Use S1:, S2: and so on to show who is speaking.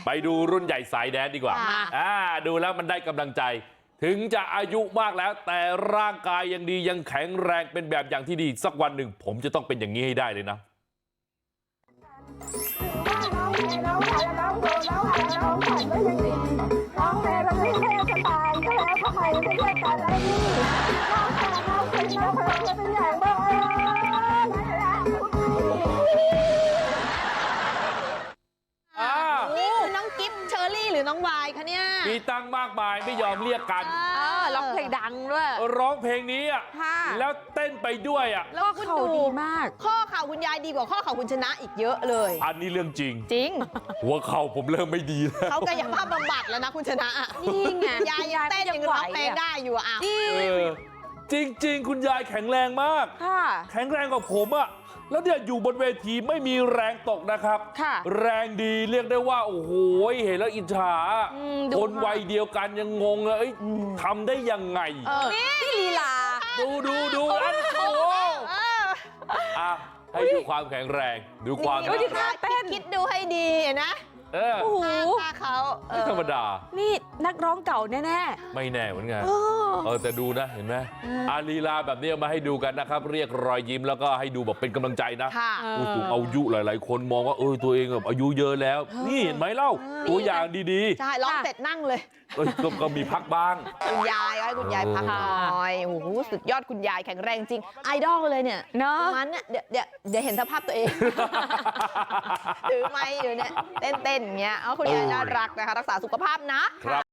S1: ไปดูรุ่นใหญ่สายแดนดีกว่าดูแล้วมันได้กำลังใจถึงจะอายุมากแล้วแต่ร่างกายยังดียังแข็งแรงเป็นแบบอย่างที่ดีสักวันหนึ่งผมจะต้องเป็นอย่างนี้ให้ได้เลยนะ
S2: นี่คือน้องกิฟต์เชอรี่หรือน้องวายคะเนี่ย
S1: มีตังมากมายไม่ยอมเรียกกัน
S3: ร้องเพลงดังด้วย
S1: ร้องเพลงนี้อ่ะแล้วเต้นไปด้วยอ่ะ
S2: แล้วคุณดู
S3: ดีมาก
S2: ข้อเข่าคุณยายดีกว่าข้อเข่าคุณชนะอีกเยอะเลย
S1: อันนี้เรื่องจริง
S2: หั
S1: วเข่าผมเริ่มไม่ดีแล้ว
S2: เขากายภาพบำบัดแล้วนะคุณชนะ
S3: นี่ไง
S2: ยายเต้นยังร้องเพลงได้อยู่อ่ะ
S1: จริงๆคุณยายแข็งแรงมากแข็งแรงกว่าผมอ่ะแล้วเนี่ยอยู่บนเวทีไม่มีแรงตกนะครับแรงดีเรียกได้ว่าโอ้โหเห็นแล้วอิจฉาคนวัยเดียวกันยังงงเลยทำได้ยังไง
S3: นี่ลีลา
S1: ดูอันโอ้ให้ดูความแข็งแรงดูความ
S2: คิดดูให้ดีนะ
S3: โอ้โห
S2: เขา
S1: ไม่ธรรมดา
S3: นี่นักร้องเก่าแน่
S1: ๆไม่แน่เหมือนกันแต่ดูนะเห็นไหมลีลาแบบนี้มาให้ดูกันนะครับเรียกรอยยิ้มแล้วก็ให้ดูแบบเป็นกำลังใจนะผู้สูงอายุหลายๆคนมองว่าตัวเองแบบอายุเยอะแล้วนี่เห็นไหมเล่าตัวอย่างดี
S2: ๆใช่ร้องเสร็จนั่งเลย
S1: ก็มีพักบ้าง
S2: คุณยายให้คุณยายพักหน่อยโอ้โหสุดยอดคุณยายแข็งแรงจริงไอดอลเลยเนี่ย
S3: เนาะ
S2: มันเนี่ยเดี๋ยวเห็นสภาพตัวเองถือไม้อยู่เนี่ยเต้นอย่างเงี้ยคุณยายน่ารักนะคะรักษาสุขภาพนะ